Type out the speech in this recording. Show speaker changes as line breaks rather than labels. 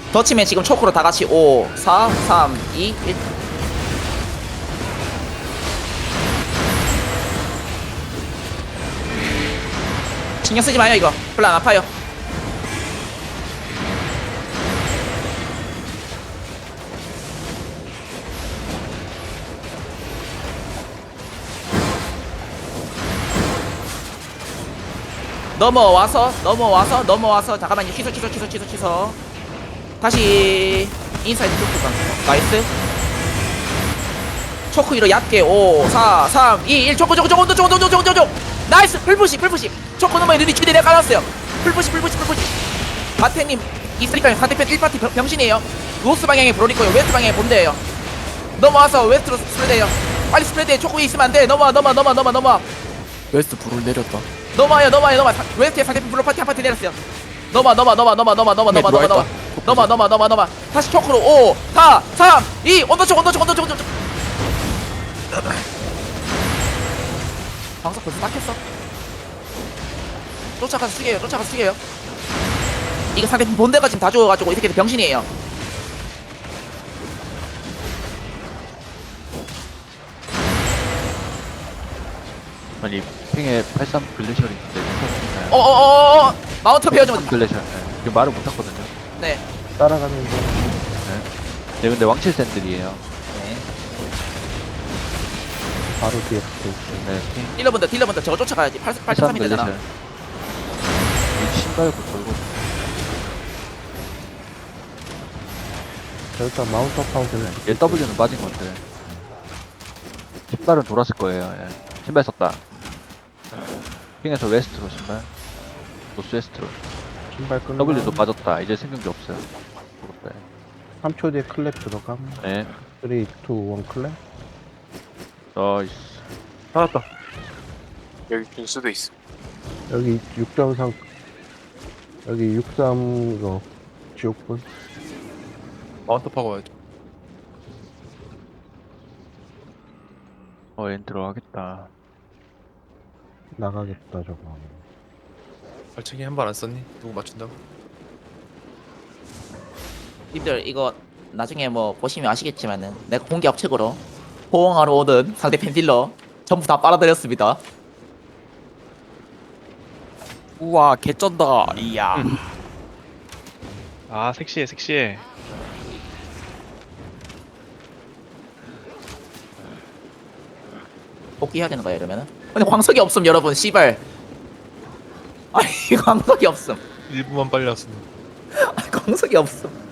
더 치면 지금 초크로 다 같이 5 4 3 2 1. 신경 쓰지 마요. 이거 별로 안 아파요. 넘어와서 잠깐만요. 취소. 다시 인사이드 초크 강. 나이스. 초크 위로 얕게 5 4 3 2 1. 초크 나이스. 풀푸시. 초크 넘어에 눈이 기대 내가 깔았어요. 풀푸시. 바테님 있으니까 상대편 1파티 병신이에요. 노스 방향에 브로리코요. 웨스트 방향에 본대예요. 넘어와서 웨스트로 스프레드해요. 빨리 스프레드해. 초크 위에 있으면 안돼. 넘어와.
웨스트 불을 내렸다.
넘어와요. 웨스트에 상대편 블루 파티 한 파티 내렸어요. 넘어. 다시 초크로 5 4 3 2 언더쪽. 방석 벌써 닦였어. 쫓아가서 숙여요. 이거 상대편 본대가 지금 다 죽어가지고 이 새끼들 병신이에요.
아니 핑에 83 글래셜이 있는데
마운트 베어좀
83 글래셜. 지금 말을 못했거든요.
네.
따라가는 중.
네, 근데 왕칠 샌들이에요.
네.
바로 뒤에 붙어 있어요.
네, 핑
딜러분들 저거 쫓아가야지.
83
83이
글래셜.
되잖아.
이 신발고 돌고.
자, 일단 마운트업 하우스는
얘 W는 빠진 건데. 신발은 돌았을 거예요. 예. 신발 썼다. 핑에서 웨스트로 신발. 노스 웨스트로.
신발 끊는
W도 빠졌다. 이제 생긴 게 없어요. 그렇다.
3초 뒤에 클랩 들어감.
네.
3, 2, 1 클랩.
나이스.
살았다. 여기 길 수도 있어.
여기 6.3 여기 63 이거 지옥분.
마운트 파고 와야죠.
엔 들어가겠다.
나가겠다 저거.
발차기 한 발 안 썼니? 누구 맞춘다고?
님들 이거 나중에 뭐 보시면 아시겠지만은 내가 공격 측으로 호응하러 오던 상대편 딜러 전부 다 빨아들였습니다.
우와 개쩐다.
이야.
아 섹시해.
복귀해야 되는 거야 이러면은? 근데 광석이 없음 여러분. 씨발. 아니 광석이 없음.
1분만 빨리 왔으면.
아니 광석이 없음.